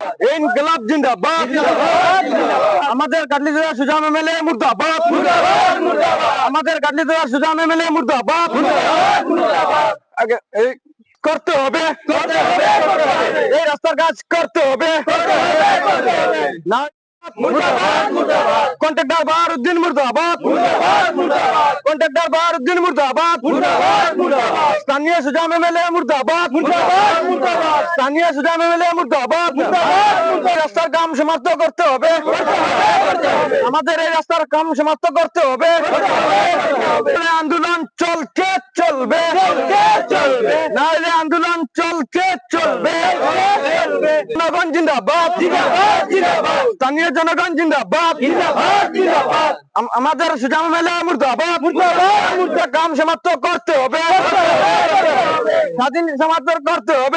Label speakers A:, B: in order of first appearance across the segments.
A: ইনকলাব জিন্দাবাদ। আমাদের কাটলি জেলা সুজাম এমএলএ মুর্দাবাদ। আমাদের কাটলি জেলা সুজাম এমএলএ মুর্দাবাদ। আগে এই করতে হবে, এই রাস্তার কাজ করতে হবে না। কন্ট্রাক্টর বাহারুদ্দিন মুর্দাবাদ। কন্ট্রাক্টর বাহারুদ্দিন মুর্দাবাদ। স্থানীয় সুজাম এমএলএ মুর্দাবাদ। স্থানীয় সুজাম এমএলএ মুর্দাবাদ। রাস্তার কাম সমাপ্ত করতে হবে, আমাদের এই রাস্তার কাম সমাপ্ত করতে হবে। আন্দোলন চলছে চলবে, নাহলে আন্দোলন চলছে চলবে। জনগণ জিন্দাবাদ, স্থানীয় জনগণ জিন্দাবাদ। আমাদের সুজাম এমএলএ মুর্দাবাদ। কাম সমাপ্ত করতে হবে, স্বাধীন সমাপ্ত করতে হবে।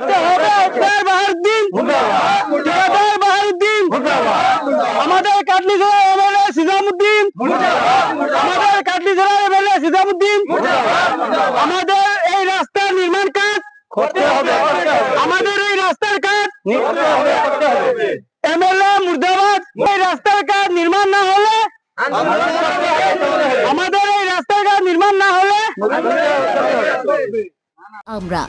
A: আমাদের কাটলি জেলার এমএলএ সিজামউদ্দিন, আমাদের কাটলি জেলার এমএলএ সিজামউদ্দিন, আমাদের এই রাস্তার নির্মাণ কাজ করতে হবে, আমাদের এই রাস্তার কাজ এমএলএ মুর্দাবাদ। এই রাস্তার কাজ নির্মাণ না হলে, আমাদের এই রাস্তার কাজ নির্মাণ না হলে
B: আমরা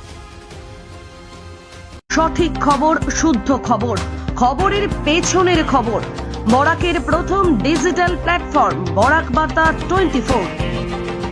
B: সঠিক খবর, শুদ্ধ খবর, খবরের পেছনের খবর। বরাকের প্রথম ডিজিটাল প্ল্যাটফর্ম বরাক বার্তা 24।